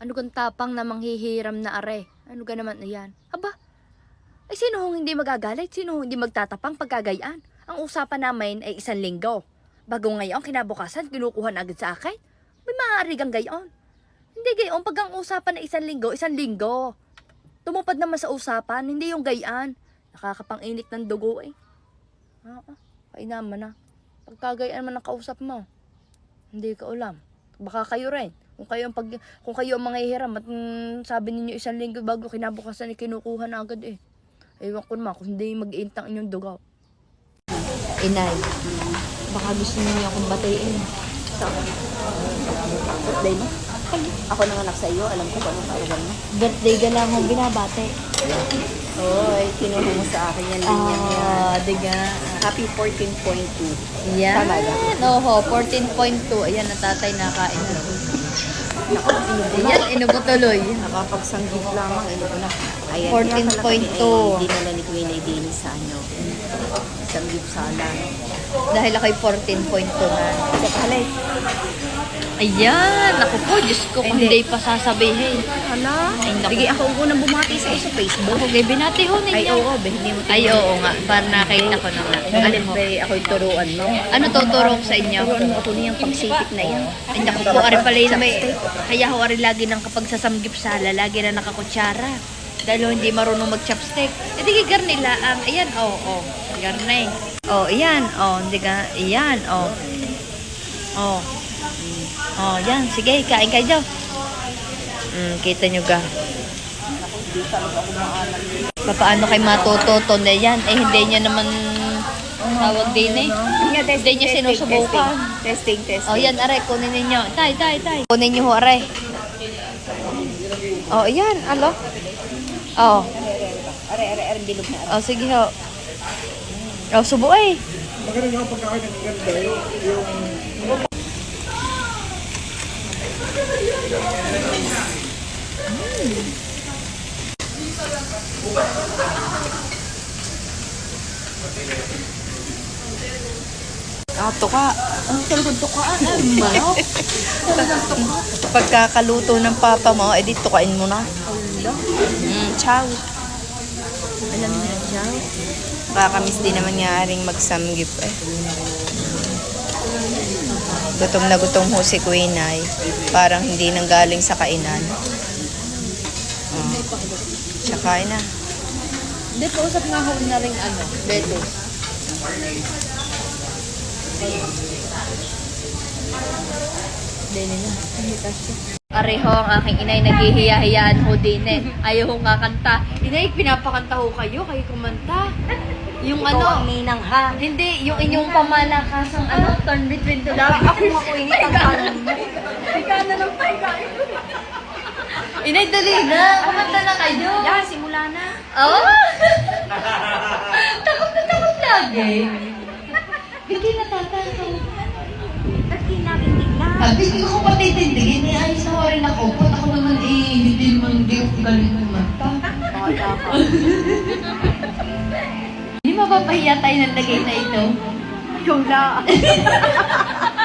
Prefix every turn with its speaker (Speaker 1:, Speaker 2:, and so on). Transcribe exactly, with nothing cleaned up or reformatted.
Speaker 1: Ano kang tapang na manghihiram na are? Ano ka naman na yan? Aba, ay sino hong hindi magagalit? Sino hong hindi magtatapang pagkagayaan? Ang usapan namin ay isang linggo. Bago ngayon, kinabukasan, kinukuha na agad sa akin. May maaari kang gayon. Hindi gayon, pag ang usapan na isang linggo, isang linggo. Tumupad naman sa usapan, hindi yung gayaan. Nakakapang-init ng dugo eh. Oo, kainaman na. Pagkagayaan man ang kausap mo, hindi ka ulam. Baka kayo rin. Kung kayo ang, pag, kung kayo ang manghihiram at mm, sabi ninyo isang linggo bago kinabukasan ay kinukuha na agad eh. Ewan ko naman kung hindi mag-iintang inyong dugaw. Inay, baka gusto niyo akong batiin.
Speaker 2: So, birthday mo? Ako nanganak sa iyo, alam ko kung anong karugan mo.
Speaker 1: Birthday ka lang akong binabate.
Speaker 2: Oy, kinuha mo sa akin yan.
Speaker 1: Ah, diga.
Speaker 2: Happy fourteen point two.
Speaker 1: Yan.
Speaker 2: Tama ba?
Speaker 1: Oho, fourteen point two. Ayan, na tatay nakain na. Ayan, inubo tuloy.
Speaker 2: Nakapagsanggip lamang, ano ko na. Ayan,
Speaker 1: fourteen point two.
Speaker 2: Hindi na ni Queen ay din sa ano. Sanggip sala.
Speaker 1: Dahil ako'y fourteen point two na.
Speaker 2: Sa palay.
Speaker 1: Ayan, ako po, Diyos ko, kung hindi pa sasabihin.
Speaker 2: Hala.
Speaker 1: Ay, naku.
Speaker 2: Sige, ako ang unang bumati sa iyo sa Facebook.
Speaker 1: Ako, gay, binati ho ninyo.
Speaker 2: Ay, oo, ba, hindi mo
Speaker 1: Ay, oo nga, para nakita ko na nga.
Speaker 2: Alin ba, ako'y turuan mo.
Speaker 1: Ano tuturo ko sa inyo?
Speaker 2: Turuan mo ako niyang pagsipit na yan.
Speaker 1: Ay, naku po, ari pala yun may, kaya ho, ari lagi nang kapag sasamgip sala, lagi na nakakutsara. Dahil ho, hindi marunong mag-chopstick. E di garnila ang, ayan, oo, oh, oh, garne. Oh, ayan, oh, hindi ka, ayan, oh. Oh. Oh, yan, sige, kain kayo dyan. Mm, kita nyo ga. Paano kayo matututo na yan? Eh, hindi niya naman tawag din eh. Hindi niya sinusubukan.
Speaker 2: Testing, testing.
Speaker 1: Oh, yan, aray, kunin ninyo. Tay, tay, tay. Kunin nyo ho, aray. Oh, yan, alo. Oh.
Speaker 2: Are, are, are, bilog na.
Speaker 1: Oh, sige ho. Oh, subo eh.
Speaker 3: Maganda yung pagkakain ng ganda yung...
Speaker 2: Ah, tuka. Ang talagang tuka. Ay, manok.
Speaker 1: Pagkakaluto ng papa mo, edi tukain mo na. Mm, ciao.
Speaker 2: Alam niya, siya.
Speaker 1: Kakamiss din naman nga ring magsamgip eh. Gutom na gutom ho si Queen ay parang hindi nang galing sa kainan. Oh. Tsaka na.
Speaker 2: Hindi, pausap nga ako na rin ano, lettuce.
Speaker 1: Dili na. Pareho ang aking inay naghihiya-hiyaan ho din eh. Ayaw ho kakanta. Inay, pinapakanta ho kayo, kayo kumanta. Yung
Speaker 2: Ikaw
Speaker 1: ano,
Speaker 2: ang ninang ha.
Speaker 1: hindi, yung inyong pamalakasang ano, turn between two love.
Speaker 2: Ako makuinit ang kanan mo.
Speaker 1: Ika na lang tayo. Inay, dali na. Kumanta na kayo.
Speaker 2: Yan, simula na.
Speaker 1: Oh! Takot na takot lagi. Hindi natatakot.
Speaker 2: Ba't kinakindig na?
Speaker 1: Sabi ko ko patitindigin, eh, ayos na rin ako. Put ako naman eh, hindi naman, hindi ako galing kumanta.
Speaker 2: Bata ka.
Speaker 1: Hindi mapapahiya tayo ng lagay na ito.
Speaker 2: Ikaw na.